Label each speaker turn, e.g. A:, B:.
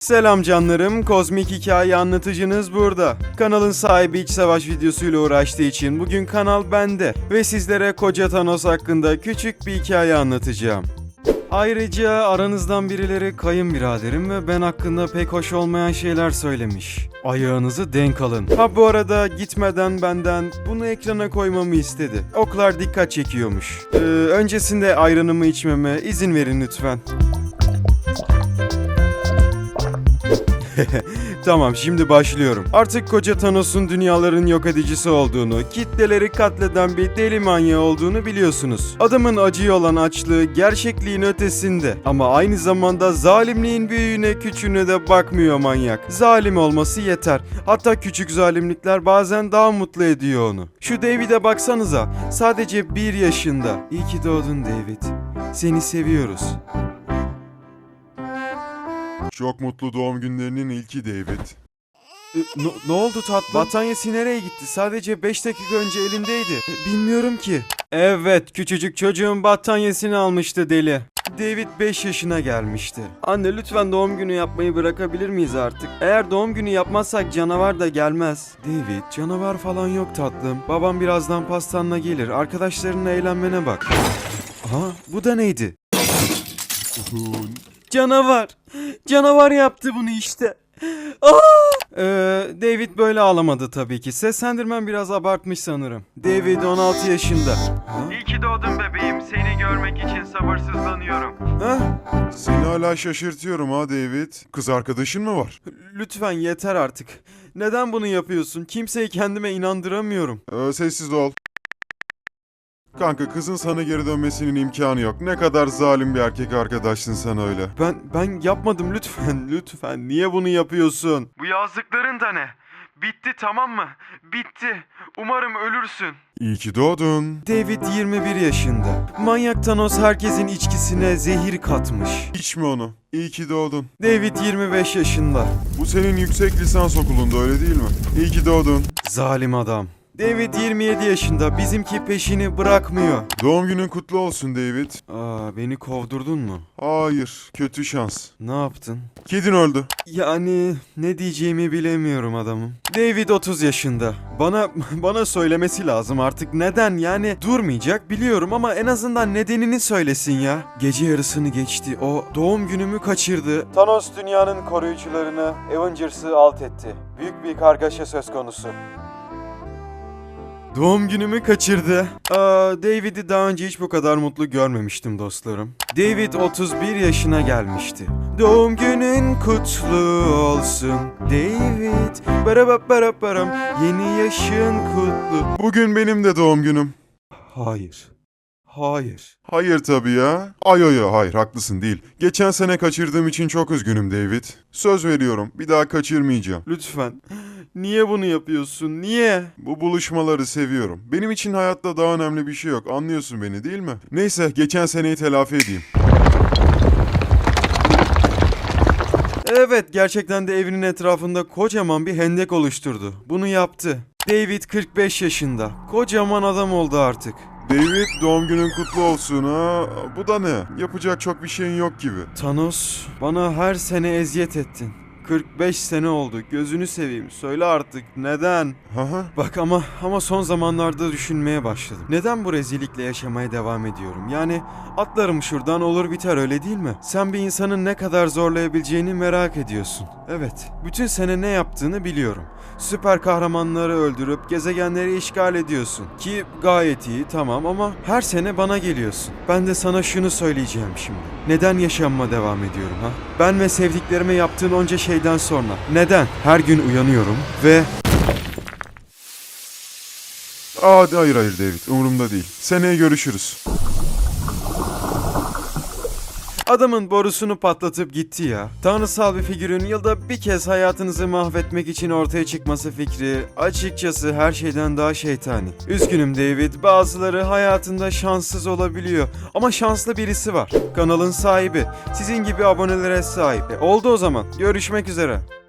A: Selam canlarım, kozmik hikaye anlatıcınız burada. Kanalın sahibi iç savaş videosuyla uğraştığı için bugün kanal bende ve sizlere Koca Thanos hakkında küçük bir hikaye anlatacağım. Ayrıca aranızdan birileri kayınbiraderim ve ben hakkında pek hoş olmayan şeyler söylemiş. Ayağınızı denk alın. Ha bu arada gitmeden benden bunu ekrana koymamı istedi. Oklar dikkat çekiyormuş. Öncesinde ayranımı içmeme izin verin lütfen. Tamam, şimdi başlıyorum. Artık Koca Thanos'un dünyaların yok edicisi olduğunu, kitleleri katleden bir deli manyağı olduğunu biliyorsunuz. Adamın acıya olan açlığı gerçekliğin ötesinde ama aynı zamanda zalimliğin büyüğüne küçüğüne de bakmıyor manyak. Zalim olması yeter. Hatta küçük zalimlikler bazen daha mutlu ediyor onu. Şu David'e baksanıza, sadece 1 yaşında. İyi ki doğdun David. Seni seviyoruz.
B: Çok mutlu doğum günlerinin ilki David.
A: Ne oldu tatlım? Battaniyesi nereye gitti? Sadece 5 dakika önce elimdeydi. Bilmiyorum ki. Evet, küçücük çocuğun battaniyesini almıştı deli. David 5 yaşına gelmişti. Anne lütfen doğum günü yapmayı bırakabilir miyiz artık? Eğer doğum günü yapmazsak canavar da gelmez. David, canavar falan yok tatlım. Babam birazdan pastanla gelir. Arkadaşlarınla eğlenmene bak. Aha, bu da neydi? Canavar. Canavar yaptı bunu işte. David böyle ağlamadı tabii ki. Seslendirmem biraz abartmış sanırım. David 16 yaşında.
C: İyi ki doğdun bebeğim. Seni görmek için sabırsızlanıyorum.
B: Seni hala şaşırtıyorum ha David. Kız arkadaşın mı var?
A: Lütfen yeter artık. Neden bunu yapıyorsun? Kimseyi kendime inandıramıyorum.
B: Sessiz ol. Kanka, kızın sana geri dönmesinin imkanı yok. Ne kadar zalim bir erkek arkadaşsın sen öyle.
A: Ben yapmadım lütfen. Lütfen. Niye bunu yapıyorsun?
C: Bu yazdıkların da ne? Bitti, tamam mı? Bitti. Umarım ölürsün.
B: İyi ki doğdun.
A: David 21 yaşında. Manyak Thanos herkesin içkisine zehir katmış.
B: İçme onu. İyi ki doğdun.
A: David 25 yaşında.
B: Bu senin yüksek lisans okulunda, öyle değil mi? İyi ki doğdun.
A: Zalim adam. David 27 yaşında. Bizimki peşini bırakmıyor.
B: Doğum günün kutlu olsun David.
A: Beni kovdurdun mu?
B: Hayır, kötü şans.
A: Ne yaptın?
B: Kedin öldü.
A: Yani ne diyeceğimi bilemiyorum adamım. David 30 yaşında. Bana söylemesi lazım artık. Neden? Yani durmayacak biliyorum ama en azından nedenini söylesin ya. Gece yarısını geçti. O doğum günümü kaçırdı. Thanos dünyanın koruyucularını, Avengers'ı alt etti. Büyük bir kargaşa söz konusu. Doğum günümü kaçırdı. David'i daha önce hiç bu kadar mutlu görmemiştim dostlarım. David 31 yaşına gelmişti. Doğum günün kutlu olsun David. Barabaram. Yeni yaşın kutlu.
B: Bugün benim de doğum günüm.
A: Hayır.
B: Hayır tabii ya. Hayır, haklısın değil. Geçen sene kaçırdığım için çok üzgünüm David. Söz veriyorum, bir daha kaçırmayacağım.
A: Lütfen. Niye bunu yapıyorsun? Niye?
B: Bu buluşmaları seviyorum. Benim için hayatta daha önemli bir şey yok. Anlıyorsun beni değil mi? Neyse, geçen seneyi telafi edeyim.
A: Evet, gerçekten de evinin etrafında kocaman bir hendek oluşturdu. Bunu yaptı. David 45 yaşında. Kocaman adam oldu artık.
B: David, doğum günün kutlu olsun ha. Bu da ne? Yapacak çok bir şeyin yok gibi.
A: Thanos, bana her sene eziyet ettin. 45 sene oldu. Gözünü seveyim. Söyle artık neden?
B: Haha.
A: Bak ama son zamanlarda düşünmeye başladım. Neden bu rezillikle yaşamaya devam ediyorum? Yani atlarım şuradan olur biter, öyle değil mi? Sen bir insanın ne kadar zorlayabileceğini merak ediyorsun. Evet. Bütün sene ne yaptığını biliyorum. Süper kahramanları öldürüp gezegenleri işgal ediyorsun. Ki gayet iyi, tamam, ama her sene bana geliyorsun. Ben de sana şunu söyleyeceğim şimdi. Neden yaşamama devam ediyorum ha? Ben ve sevdiklerime yaptığın onca şeyden sonra neden her gün uyanıyorum ve...
B: Hayır David, umurumda değil. Seneye görüşürüz.
A: Adamın borusunu patlatıp gitti ya. Tanrısal bir figürün yılda bir kez hayatınızı mahvetmek için ortaya çıkması fikri açıkçası her şeyden daha şeytani. Üzgünüm David, bazıları hayatında şanssız olabiliyor ama şanslı birisi var. Kanalın sahibi, sizin gibi abonelere sahip. Oldu o zaman. Görüşmek üzere.